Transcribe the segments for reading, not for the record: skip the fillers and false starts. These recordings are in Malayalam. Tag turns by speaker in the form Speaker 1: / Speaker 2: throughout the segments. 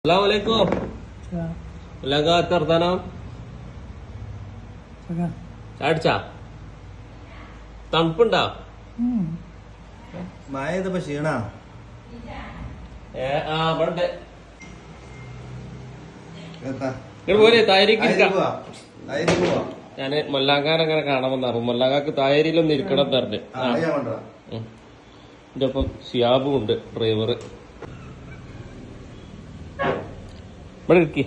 Speaker 1: അസ്സലാമലൈക്കും. വർത്താനം ചാടിച്ചാ തണുപ്പുണ്ടാ?
Speaker 2: മഴ ക്ഷീണാ
Speaker 1: ഇവിടെ പോലെ തായരിക്ക് ഞാന് മൊല്ലാങ്കാൻ അങ്ങനെ കാണാമെന്ന് പറഞ്ഞു. മൊല്ലാങ്കാക്ക് തായരിയിലൊന്നും ഇരിക്കണം എന്ന് പറഞ്ഞു. എന്റെ ഒപ്പം ഷിയാബും ഉണ്ട്, ഡ്രൈവർ. ഇവിടെ ഇരിക്കി.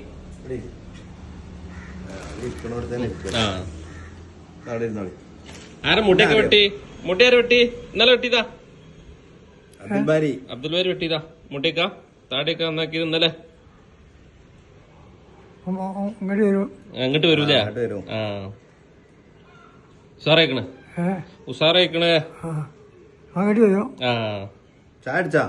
Speaker 1: ആരെ മുട്ടയൊക്കെ വെട്ടി? മുട്ടയാരെ വെട്ടി? ഇന്നലെ വെട്ടിയതാ അബ്ദുൽ ബാരി വെട്ടിയതാ. മുട്ടയൊക്കെ താടിയൊക്കെ നന്നാക്കിയത് ഇന്നലെ. അങ്ങോട്ട് വരൂലേ? ആ ഉസാറായിക്കണേ, ഉസാറായിക്കണേ. ആ
Speaker 2: ചാടിച്ചാ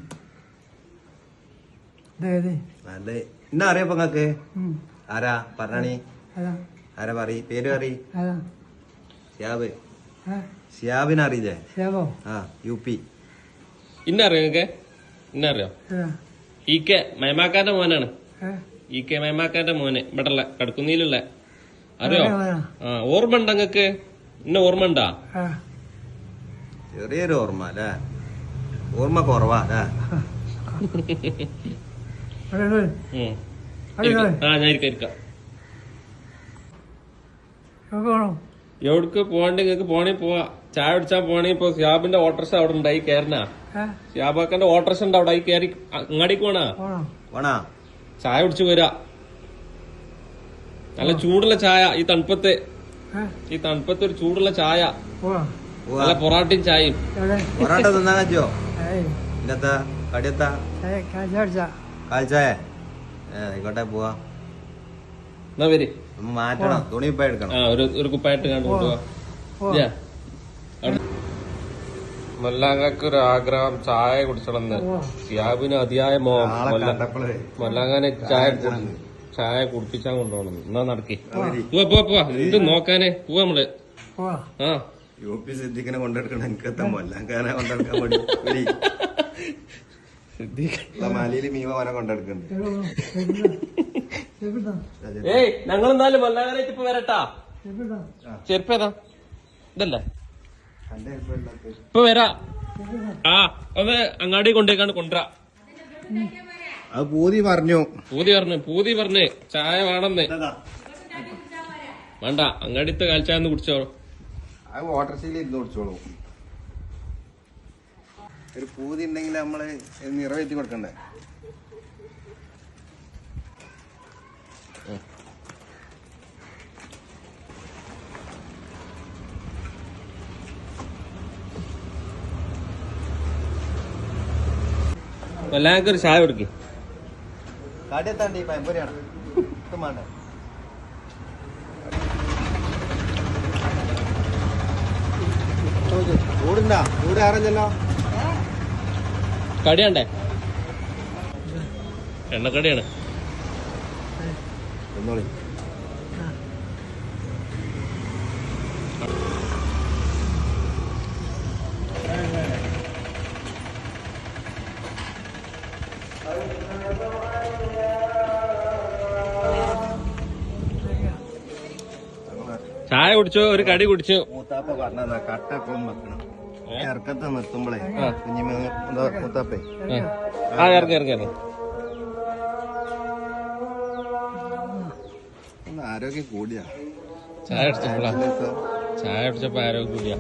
Speaker 2: എന്നാ അറിയപ്പോ നിങ്ങക്ക്? ആരാ പറഞ്ഞാണി? ആരാ പറയ്, പേര് പറയ്. ഷിയാബ്. ഷിയാബിനെ അറിയില്ലേ? ആ UP.
Speaker 1: ഇന്നറിയോ നിങ്ങക്ക്? ഇന്നറിയോ? EK മൈമാക്കാന്റെ മോനാണ്. EK മൈമാക്കാന്റെ മോന് ഇവിടെയുള്ള കടക്കുന്നിയിലുള്ള. അറിയോ? ആ ഓർമ്മ ഉണ്ടോ നിങ്ങക്ക്? ഇന്ന ഓർമ്മ ഉണ്ടാ?
Speaker 2: ചെറിയൊരു ഓർമ്മ അല്ലേ? ഓർമ്മ കുറവാ അല്ലേ?
Speaker 1: ഞാൻ ഇരിക്കാം. എവിടക്ക് പോകണ്ട? നിങ്ങക്ക് പോണേ പോവാ. ചായ കുടിച്ചാ പോണേ. ഇപ്പൊ ഷിയാബിന്റെ ഓട്ടർഷ അവിടെ ഉണ്ടായി കയറനാ. ഷിയാബാക്കന്റെ ഓട്ടർഷ ഉണ്ട് അവിടെ കയറി അങ്ങാടിക്ക് പോണാ. ചായ കുടിച്ചു വരാ. നല്ല ചൂടുള്ള ചായ. ഈ തണുപ്പത്ത് ഒരു ചൂടുള്ള ചായ. നല്ല പൊറാട്ടയും ചായയും.
Speaker 2: പൊറാട്ട തിന്നാൻ പറ്റോ? ഇന്നത്തെ കടിയത്താ കാൽച്ചായ? ആയിക്കോട്ടെ, പോവാ.
Speaker 1: എന്നാ വരി,
Speaker 2: മാറ്റണം. തുണി കുപ്പായ എടുക്കണം.
Speaker 1: ഒരു കുപ്പായിട്ട് കണ്ടു പോവാ. മൊല്ലാങ്ങക്ക് ഒരു ആഗ്രഹം ചായ കുടിച്ചണമെന്ന്. ഷിയാബിന് അതിയായ മോഹം മൊല്ലാങ്ങാനെ ചായ കുടിപ്പിച്ചാൻ കൊണ്ടുപോകണം. എന്നാ നടക്കി പോവാ. എന്ത് നോക്കാനേ പോവാ നമ്മള്.
Speaker 2: UP സിദ്ദിഖിനെ കൊണ്ടെടുക്കണം. എനിക്കെത്താ മൊല്ലാങ്കാനെ കൊണ്ടെടുക്കാൻ വേണ്ടി മലയില് മീവനെ കൊണ്ടെടുക്കണ്ട്.
Speaker 1: ഏയ് ഞങ്ങളെന്നാലും മൊല്ലാങ്ങാനായിട്ട് ഇപ്പൊ വരട്ടാ. ചെരുപ്പേതാ? ഇതല്ലേ? ഇപ്പൊ വരാ. ഒന്ന് അങ്ങാടി കൊണ്ടേക്കാണ് കൊണ്ടുവരാ.
Speaker 2: അത് പൂതി പറഞ്ഞു
Speaker 1: ചായ വേണമെന്ന്. വേണ്ട, അങ്ങാടിത്തെ കാൽച്ചായ കുടിച്ചോ.
Speaker 2: അത് വാട്ടർസീൽ ഇരുന്ന് കുടിച്ചോളൂ. ഒരു പൂതി ഉണ്ടെങ്കിൽ നമ്മള് നിറവേറ്റി കൊടുക്കണ്ടേ?
Speaker 1: എല്ലാവർക്കും ഒരു ചായ കൊടുക്കും.
Speaker 2: കാട്ടിയെത്താണ്ടി പയമ്പൊരിയാണ് വേണ്ട. ചൂടുണ്ടാ? ചൂട് ആറല്ലോ.
Speaker 1: കടിയാണ്ടേ? എണ്ണക്കടിയാണ്.
Speaker 2: ഒന്നോളി.
Speaker 1: ചായ കുടിച്ചോ? ഒരു കടി കുടിച്ചു.
Speaker 2: മൂത്താപ്പ പറഞ്ഞ കട്ട എപ്പോഴും വെക്കണം. ഇറക്കത്തെ നിർത്തുമ്പോളേ മൂത്താപ്പേ
Speaker 1: ഇറങ്ങി
Speaker 2: ആരോഗ്യം കൂടിയാ.
Speaker 1: ചായ കുടിച്ചപ്പോ ആരോഗ്യം കൂടിയാ.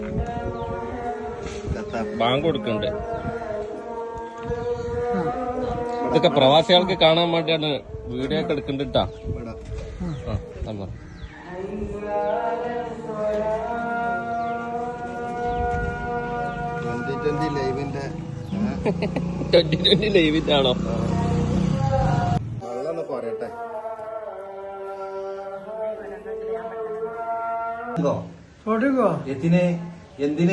Speaker 1: ബാങ്ക് കൊടുക്കണ്ട്. ഇതൊക്കെ പ്രവാസികൾക്ക് കാണാൻ വേണ്ടിയാണ് വീഡിയോ ഒക്കെ എടുക്കണ്ടിട്ടാ. ലൈവിന്റെ ആണോ?
Speaker 2: വെള്ളം പറയട്ടെ. എന്തിന്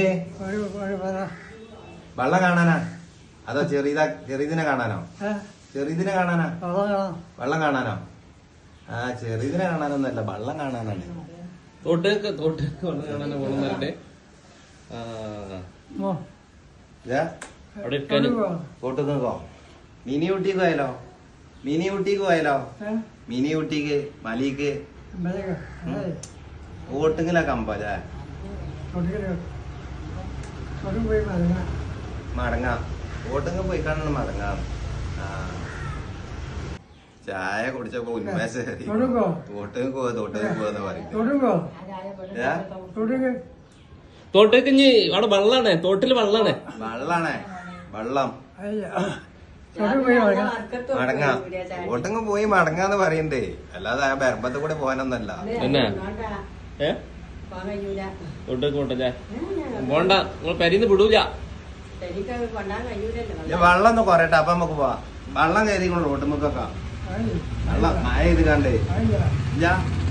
Speaker 2: വെള്ളം കാണാനാ? അതോ ചെറിയതിനെ കാണാനോ? ചെറിയതിനെ കാണാനാ? വെള്ളം കാണാനോ? ആ ചെറിയതിനെ കാണാനൊന്നല്ല, വെള്ളം കാണാനാണ്.
Speaker 1: തോട്ടേക്ക് വെള്ളം കാണാനോ പോണെന്നല്ലേ?
Speaker 2: അവിടെ തോട്ട് നിൽക്കോ? മിനി ഊട്ടിക്ക് പോയാലോ? മിനി ഊട്ടിക്ക് പോയാലോ? മിനി ഊട്ടിക്ക് മലിക്ക് ഓട്ടിങ്ങിലൊക്കെ അമ്പല്ലേ? മടങ്ങാം. ഓട്ടിങ്ങ് പോയി കാണണം മടങ്ങാം. ചായ കുടിച്ചപ്പോ ഉന്മേഷം തോട്ടുങ്ങ് പോവാന്ന് പറയും.
Speaker 1: തോട്ടേക്ക് ഇനി അവിടെ വെള്ളാണ്, തോട്ടില് വെള്ളാണ്.
Speaker 2: വെള്ളം മടങ്ങാ. ഓട്ടിങ്ങ് പോയി മടങ്ങാന്ന് പറയണ്ടേ, അല്ലാതെ ആ ബർബത്ത് കൂടെ പോകാനൊന്നല്ല.
Speaker 1: എന്നാ തോട്ടേക്ക് പോണ്ടല്ലേ? പോണ്ട, നിങ്ങൾ പെരീന്ന് വിടൂല.
Speaker 2: വെള്ളം ഒന്ന് കുറയട്ടെ, അപ്പൊ നമുക്ക് പോവാം. വെള്ളം കയറിക്കൊള്ളു റോട്ടുമ്മക്കൊക്കെ. വെള്ളം മഴ ഇത് കണ്ടേ ഇല്ല.